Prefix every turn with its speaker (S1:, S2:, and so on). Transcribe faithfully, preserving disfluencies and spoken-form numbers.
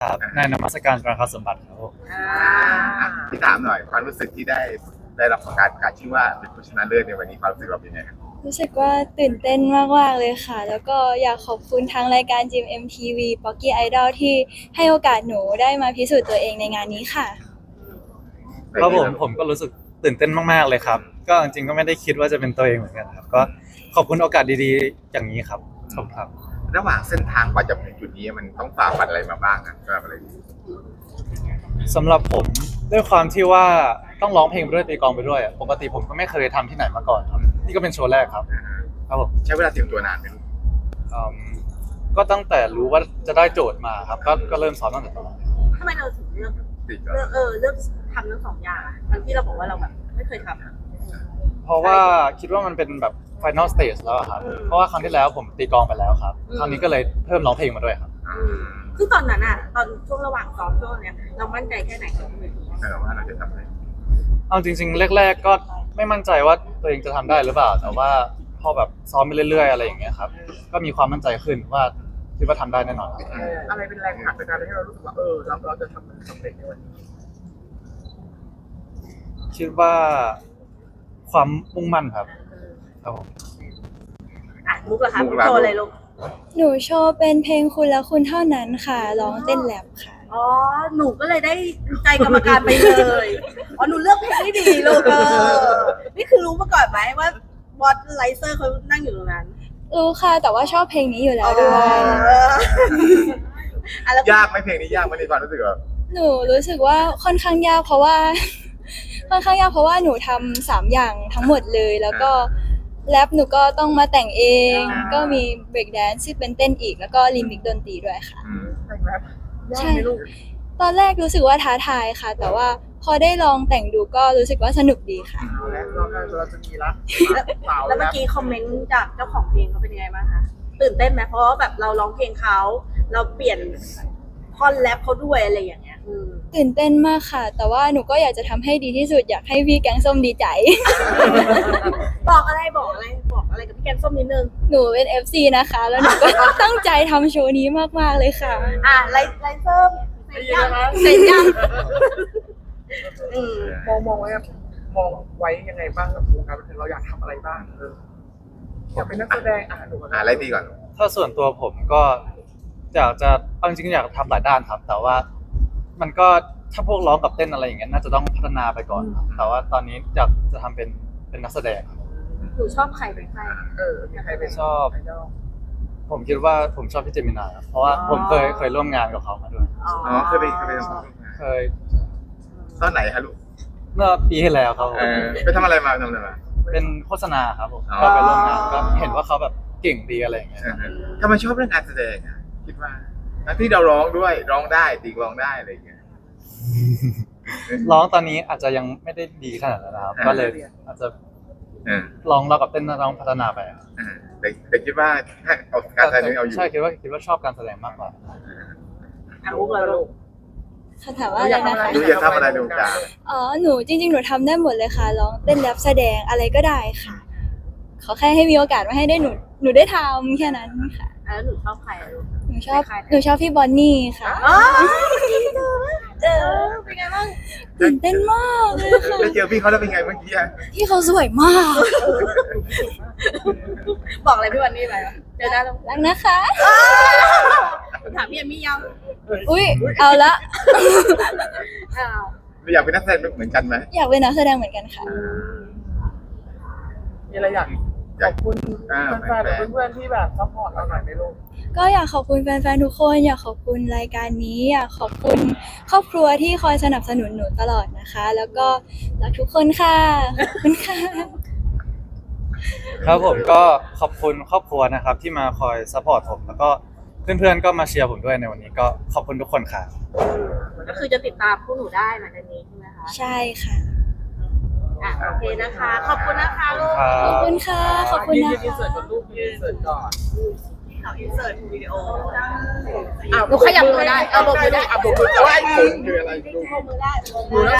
S1: ครับในนมัสการพระคสมบัติครับผม
S2: อ่า
S3: อ่ะพี่ถามหน่อยความรู้สึกที่ได้ได้รับการประกาศชื่อว่าเป็นผู้ชนะเลิศในวันนี้ความรู้สึกเราเป็นยังไงครับ
S4: รู้สึกว่าตื่นเต้นมากๆเลยค่ะ แล้วก็อยากขอบคุณทางรายการ จี เอ็ม เอ็ม ที วี Pocky Idol ที่ให้โอกาสหนูได้มาพิสูจน์ตัวเองในงานนี้ค่ะ
S1: ครับผมผมก็รู้สึกตื่นเต้นมากๆเลยครับก็จริงๆก็ไม่ได้คิดว่าจะเป็นตัวเองเหมือนกันครับก็ขอบคุณโอกาสดีๆอย่างนี้ครับขอบคุณครับ
S3: ระหว่างเส้นทางกว่าจะถึงจุดนี้มันต้องฝ่าฟันอะไรมาบ้างอะสำหรับอะไร
S1: สำหรับผมด้วยความที่ว่าต้องร้องเพลงไปด้วยตีกลองไปด้วยอะปกติผมก็ไม่เคยทำที่ไหนมาก่อนครับนี่ก็เป็นโชว์แรกครับครับผม
S3: ใช้เวลาเตรียมตัวนานไหมลูก
S1: อืมก็ตั้งแต่รู้ว่าจะได้โจทย์มาครับก็ก็เริ่มซ้อมตั้งแต่ตอนนั้น
S2: ทำไมเราถึงเลือก
S3: ติด
S2: เลือกเออเลือกทำทั้งสองอย่างอะทั้งที่เราบอกว่าเราแบบไม่เคยทำอะ
S1: เพราะว่าคิดว่ามันเป็นแบบ final stage แล้วอะครับ
S2: อืม
S1: เพราะว่าครั้งที่แล้วผมตีกลองไปแล้วครับ
S2: อืม
S1: ครั้งนี้ก็เลยเพิ่มร้องเพลงมาด้วยครับ
S3: อ่า
S2: ซึ่งตอนนั้นอะตอนช่วงระหว่างซ้อมช่วงเนี้ยเรามั่นใจแค่ไหนกับเวที
S3: แต่ว่าเราจะทำได้
S1: เอาจริงๆแรกๆก็ไม่มั่นใจว่าตัวเองจะทำได้หรือเปล่า แต่ว่าพอแบบซ้อมไปเรื่อยๆอะไรอย่างเงี้ยครับก็มีความมั่นใจขึ้นว่าคิดว่าทำได้แน่นอนครับ
S5: อะไรเป็นแรงผลักในการให้เรารู้สึกว่าเออเราเราจะทำมันสำเร็จในวันนี้
S1: คิดว่าความมุ่งมั่นครับครับผม
S2: อ่ะมุกเหรอคะมุกโชว์อะไรลูก
S4: หนูโชว์เป็นเพลงคุณและคุณเท่านั้นค่ะ ร้องเต้นแรปค่ะ
S2: อ๋อหนูก็เลยได้ใจกรรมการไปเลยอ๋อหนูเลือกเพลงได้ดีลูกเออนี่คือรู้มาก่อนไหมว่าบอสไลเซอร์เขานั่งอยู่ตรงนั้น
S4: รู้ค่ะแต่ว่าชอบเพลงนี้อยู่แล้วด้วย
S2: เอออ่ะแล้ว
S3: ยากไหมเพลงนี้ยากไหมในความรู้สึกแบบ
S4: หนูรู้สึกว่าค่อนข้างยากเพราะว่า ค่อนข้างยากเพราะว่าหนูทำสามอย่างทั้งหมดเลย แล้วก็แรปหนูก็ต้องมาแต่งเอง ก็มีเบรกแดนซ์ที่เป็นเต้นอีก แล้วก็ลิมิกดนตรีด้วยค่ะ
S3: อืม
S5: แต่งแรปยาก
S4: ใช่
S5: ไหมลูก
S4: ตอนแรกรู้สึกว่าท้าทายค่ะ แต่ว่าพอได้ลองแต่งดูก็รู้สึกว่าสนุกดีค่ะ
S5: เอาแล้วเราเราจะมีละสาว
S2: แล้วเมื่
S5: แล้
S2: อ
S5: ว
S2: กี้คอมเมนต์จากเจ้าของเพลงเขาเป็นยังไงบ้างคะตื่นเต้นไหมเพราะว่าแบบเราร้องเพลงเขาเราเปลี่ยนท่อนแรปเขาด้วยอะไรอย่างเงี้ยอืม
S4: ตื่นเต้นมากค่ะ แต่ว่าหนูก็อยากจะทำให้ดีที่สุดอยากให้พี่แกงส้มดีใจ
S2: บอกอะไรบอกอะไรบอกอะไรกับพี่แกงส้มนิดนึง
S4: หนูเป็น เอฟ ซี นะคะ แล้วหนูก็ ตั้งใจทำโชว์นี้มากๆเลยค่ะ
S2: อ่ะไลไลเซอร์เสร็จยังเสร็จยังอืม
S5: มองมองไว้อะมองไว้ยังไงบ้างกับวงการบันเทิงเราอยากทำอะไรบ้างเอออยากเป็นนักแสดงอ่ะหนูก่อน
S3: อ่าอะไรดีก่อน
S1: ถ้าส่วนตัวผมก็อยากจะเอาจริงๆอยากทำหลายด้านครับ แต่ว่ามันก็ถ้าพวกร้องกับเต้นอะไรอย่างเงี้ยน่าจะต้องพัฒนาไปก่อนครับแต่ว่าตอนนี้อยากจะทำเป็นเป็นนักแสดงครับ
S2: หนูชอบใครเป็นใคร
S5: เออมีใครเป็น
S1: ชอบ
S5: ไอดอล
S1: ผมคิดว่าผมชอบพี่เจมินาครับเพราะว่าผมเคยเคยร่วมงานกับเขามาด้วย
S2: อ๋อ
S3: อ๋อเคยไปเคยไป
S1: เคย
S3: ตอนไหนฮะลูก
S1: เมื่อปีที่แล้วครับผม
S3: เออไปทำอะไรมาทำอะไรมา
S1: เป็นโฆษณาครับผม
S3: อ๋อ
S1: ก็ไปร่วมงานก็เห็นว่าเขาแบบเก่งดีอะไรอย่างเงี้ย
S3: เออทำไมชอบเรื่องการแสดงอ่ะคิดว่าทั้งที่เราร้องด้วยร้องได้ตีกลองได้อะไรอย่างเงี้ย
S1: ร้องตอนนี้อาจจะยังไม่ได้ดีขนาดนั้นนะครับ
S3: อ่า
S1: ก็เลยอาจจะ
S3: เออ
S1: ลองเรากับเต้นลองพัฒนาไปครับ
S3: เออแต่แต่คิดว่าถ้าเอาการแสดงเอาอยู่
S1: ใช่คิดว่าคิดว่าชอบการแสดงมากกว่า
S2: อ่ะมุกเหรอลูก
S4: คำถามว่าอะไรนะคะ
S3: หนูอยากทำอะไรในวงการ
S4: อ๋อ หนูจริงๆ หนูทำได้หมดเลยค่ะ ร้องเต้นแรปแสดงอะไรก็ได้ค่ะ ขอแค่ให้มีโอกาสมาให้ได้หนู หนูได้ทำแค่นั้นค่ะ
S2: อ่ะแล้วหนูชอบใครอ่ะลูก
S4: หนูชอบ หนูชอบพี่บอนนี่ค่ะ
S2: อ๋อเออเป็นไงบ้าง
S4: ตื่นเต้นมากเลยค่ะ
S3: ได้เจอพี่เขาแล้วเป็นไงเมื่อกี้อะ
S4: พี่เขาสวยมาก
S2: บอกอะไรพี่วันนี้ไปวะเจอหน้าแล้ว
S4: รักนะคะ
S2: ถามพี่เอมมี่ยัง
S4: อุ้ย เอาละ
S2: อ้าว
S3: เราอยากเป็นนักแสดงเหมือนกันไหม
S4: อยากเป็นนักแสดงเหมือนกันค่ะ
S5: มีอะไรอยากขอบคุณ
S3: อ่า
S5: แฟนๆหรือเพื่อนๆที่แบบซัพพอร์ตเราหน่อยไหมลูก
S4: ก็อยากขอบคุณแฟนๆ ทุกคน อยากขอบคุณรายการนี้ อยากขอบคุณครอบครัวที่คอยสนับสนุนหนูตลอดนะคะ แล้วก็รักทุกคนค่ะ ขอบคุณค่ะ
S1: ครับผมก็ขอบคุณครอบครัวนะครับ ที่มาคอยซัพพอร์ตผมแล้วก็เพื่อนๆก็มาเชียร์ผมด้วยในวันนี้ก็ขอบคุณทุกคนค่ะ
S2: ก็คือจะติดตามพวกหนูได้หลังจากนี้ใช่ไหมคะ
S4: ใช่ค่ะ
S2: อ่ะโอเคนะคะ ขอบคุณนะคะลูก
S1: ครับ
S4: ขอบคุณค่ะ ขอบคุณ
S5: ยื
S4: นะ
S5: นยืนอิน
S4: คะ
S5: เสิร์ตก่อนลูกยืนอินเสิร์ตก่อน
S2: เอาอินเสิร์ตวิดีโอ
S5: อ่ะ
S2: หนูขยับตัวได้เออบอกมือได้
S5: อ่ะบอกมือแต่ว่าไอ้คุณคืออะไรลูก
S2: โชว์มือได้